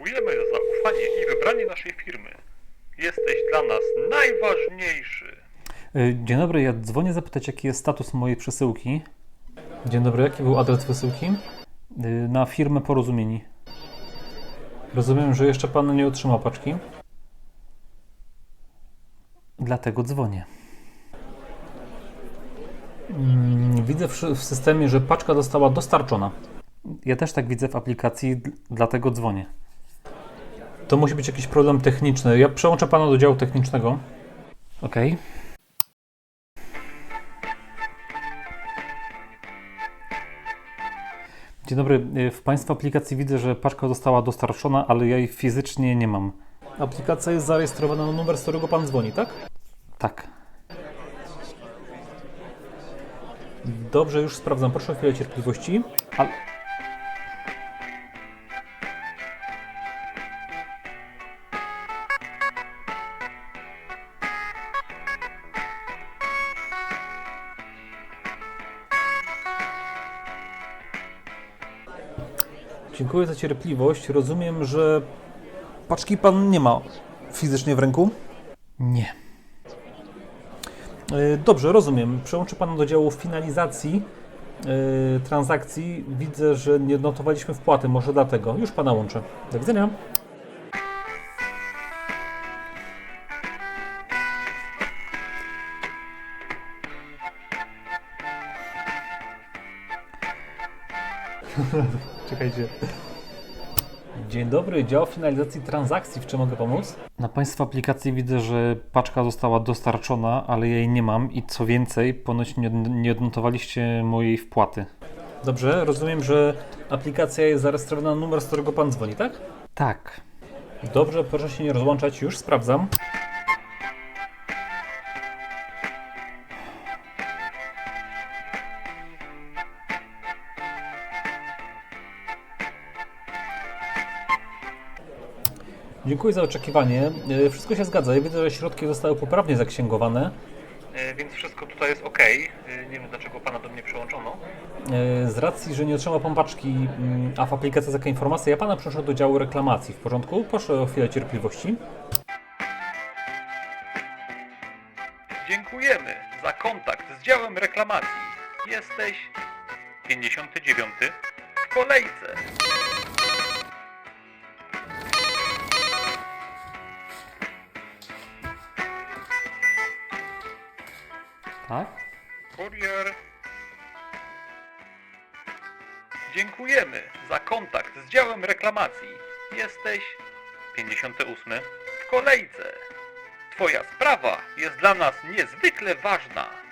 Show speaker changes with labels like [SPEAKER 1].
[SPEAKER 1] Dziękujemy za zaufanie i wybranie naszej firmy. Jesteś dla nas najważniejszy.
[SPEAKER 2] Dzień dobry, ja dzwonię zapytać, jaki jest status mojej przesyłki. Dzień dobry, jaki był adres wysyłki? Na firmę Porozumieni. Rozumiem, że jeszcze Pan nie otrzymał paczki. Dlatego dzwonię. Widzę w systemie, że paczka została dostarczona. Ja też tak widzę w aplikacji, dlatego dzwonię. To musi być jakiś problem techniczny. Ja przełączę Pana do działu technicznego. OK. Dzień dobry. W Państwa aplikacji widzę, że paczka została dostarczona, ale ja jej fizycznie nie mam. Aplikacja jest zarejestrowana na numer, z którego Pan dzwoni, tak? Tak. Dobrze, już sprawdzam. Proszę o chwilę cierpliwości. Dziękuję za cierpliwość. Rozumiem, że paczki Pan nie ma fizycznie w ręku? Nie. Dobrze, rozumiem. Przełączę Pana do działu finalizacji transakcji. Widzę, że nie odnotowaliśmy wpłaty, może dlatego. Już Pana łączę. Do widzenia. Czekajcie. Dzień dobry, dział finalizacji transakcji. W czym mogę pomóc? Na Państwa aplikacji widzę, że paczka została dostarczona, ale jej nie mam i co więcej, ponoć nie odnotowaliście mojej wpłaty. Dobrze, rozumiem, że aplikacja jest zarejestrowana na numer, z którego Pan dzwoni, tak? Tak. Dobrze, proszę się nie rozłączać, już sprawdzam. Dziękuję za oczekiwanie. Wszystko się zgadza. Ja widzę, że środki zostały poprawnie zaksięgowane.
[SPEAKER 1] Więc wszystko tutaj jest ok. Nie wiem, dlaczego Pana do mnie przyłączono.
[SPEAKER 2] Z racji, że nie otrzymał Pan paczki, a w aplikacji jest taka informacja, ja Pana przenoszę do działu reklamacji. W porządku? Proszę o chwilę cierpliwości.
[SPEAKER 1] Dziękujemy za kontakt z działem reklamacji. Jesteś 59 w kolejce.
[SPEAKER 2] Tak?
[SPEAKER 1] Kurier. Dziękujemy za kontakt z działem reklamacji. Jesteś 58 w kolejce. Twoja sprawa jest dla nas niezwykle ważna.